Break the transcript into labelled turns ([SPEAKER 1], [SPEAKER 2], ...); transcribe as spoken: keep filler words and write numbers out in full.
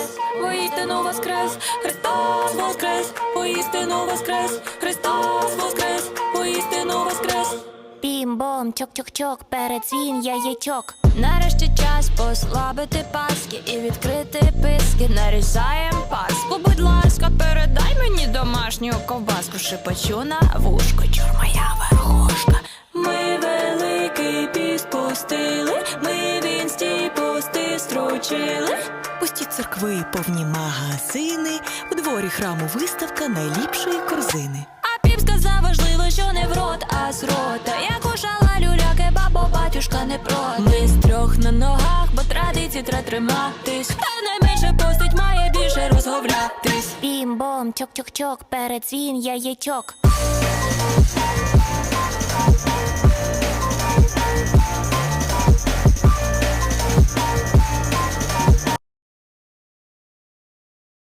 [SPEAKER 1] воскрес, воістину воскрес, Христос воскрес, воістину воскрес, Христос воскрес, воістину воскрес.
[SPEAKER 2] Бім-бом, чок-чок-чок, передзвін яєчок. Нарешті час послабити паски і відкрити писки. Нарізаєм паску, будь ласка, передай мені домашню ковбаску. Шипочу на вушко, чур моя верхушка.
[SPEAKER 1] Ми великий піст пустили, ми в інсті пости строчили.
[SPEAKER 3] Пусті церкви, повні магазини, у дворі храму виставка найліпшої корзини.
[SPEAKER 1] А піп сказав важливо, що не в рот, а з рота. Я кушала люляки, бабо, батюшка не проти. Ми з трьох на ногах, бо традиції треба триматись. Хто найменше постить, має більше розговлятись.
[SPEAKER 2] Бім-бом, чок-чок-чок, передзвін яєчок.